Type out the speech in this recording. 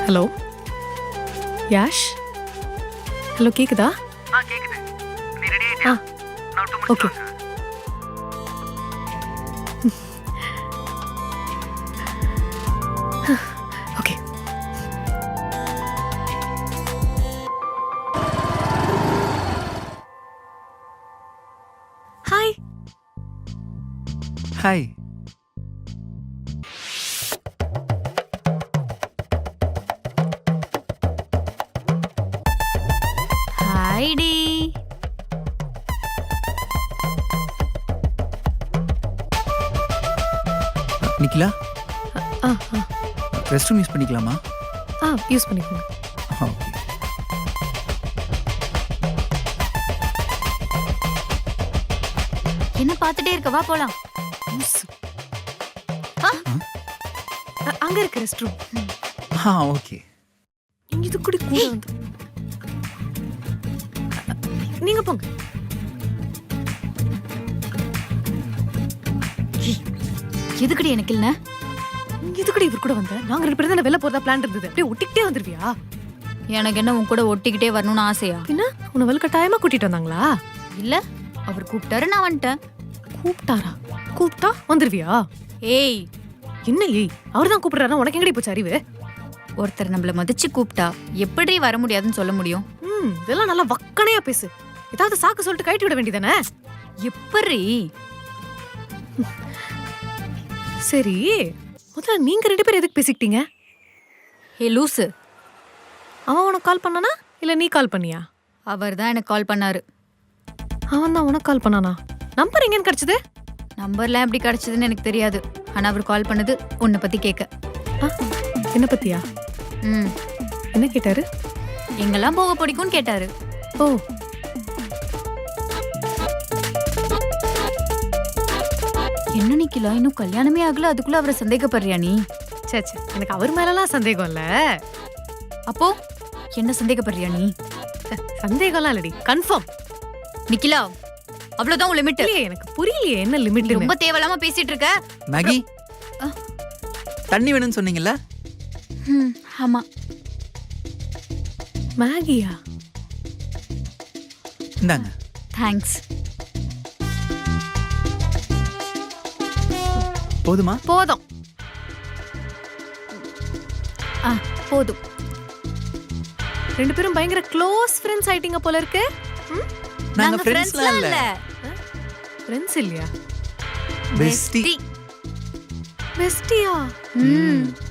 Hello Yash, hello கேக்குதா? கேக்குது. நீ ரெடி ஆயிட்டியா? நான் 2 okay. minutes okay. Hi. Hi. ஹாய்டி. நிக்கிலா, ஆ ரெஸ்ட் ரூம் யூஸ் பண்ணிக்கலாமா? யூஸ் பண்ணிக்கோங்க. ஓகே. என்ன பார்த்துட்டே இருக்க, வா போலாம். அங்க இருக்கு ரெஸ்ட் ரூம். ஓகே. இது கூட கூட வந்து நீங்க போங்க. எதுக்குடி எனக்கு இல்ல? இதுக்கடி இவர் கூட வந்த? நாங்க 2 பேரும் தான வெளில போறதா பிளான் இருந்தது. அப்படியே ஒட்டிக்கிட்டே வந்துருவியா? எனக்கு என்ன உன் கூட ஒட்டிக்கிட்டே வரணும்னு ஆசையா? பின்ன உன்னை வலுக்கட்டாயமா கூட்டிட்டு வந்தாங்களா? இல்ல, அவர் கூப்பிட்டாரு, நான் வந்துட்டேன். கூப்பிட்டாரா? கூப்பிட்டா வந்துருவியா? ஏய், என்ன ஏய், அவர்தான் கூப்பிடுறாரா? உனக்கு எங்கடி போச்சு அறிவு? ஒருத்தர் நம்மள மதிச்சு கூப்பிட்டா எப்படி வர முடியாதுன்னு சொல்ல முடியும்? இதெல்லாம் நல்லா வக்கனையா பேசு. ஏதாவது சாக்கு சொல்லிட்டு கழட்டி விட வேண்டியதானே? எப்படி? சரி, முதல்ல நீங்க 2 பேரும் எதுக்கு பேசிக்கிட்டீங்க? ஹே லூசு, அவன் உனக்கு கால் பண்ணானா இல்ல நீ கால் பண்ணியா? அவர் தான் எனக்கு கால் பண்ணாரு. அவன் தான் உனக்கு கால் பண்ணானா? நம்பர் எங்கன்னு கிடைச்சது? நம்பர்லாம் எப்படி கிடைச்சதுன்னு எனக்கு தெரியாது. ஆனா அவர் கால் பண்ணது உன்னை பத்தி கேட்க. என்ன பத்தியா? ம், என்ன கேட்டாரு? எங்கெல்லாம் போக பிடிக்கும்னு கேட்டாரு. ஓ, என்ன நிக்கலா, இன்னும் கல்யாணமே ஆகல, அதுக்குள்ள அவரை சந்தேகப்படுறியா நீ? சே சே, எனக்கு அவர் மேலலாம் சந்தேகம் இல்ல. அப்போ என்ன சந்தேகப்படுறியா நீ? சந்தேகம்லாம் இல்லடி, கன்ஃபார்ம். நிக்கிலா, அவ்வளவுதான் உன் லிமிட். இல்லையே, எனக்கு புரியலையே என்ன லிமிட். ரொம்ப தேவையில்லாம பேசிட்டு இருக்க. மேகி, தண்ணி வேணும்னு சொன்னீங்கல்ல? ஆமா. மேகியா? இந்தாங்க. தேங்க்ஸ். போதுமா? போதும். போதும். 2 பேரும் பயங்கர க்ளோஸ் ஃப்ரெண்ட்ஸ் ஆயிட்டீங்க போல இருக்கு. நாங்க ஃப்ரெண்ட்ஸ்லாம் இல்ல. ஃப்ரெண்ட்ஸ் இல்லையா? பெஸ்டி. பெஸ்டியா? ம்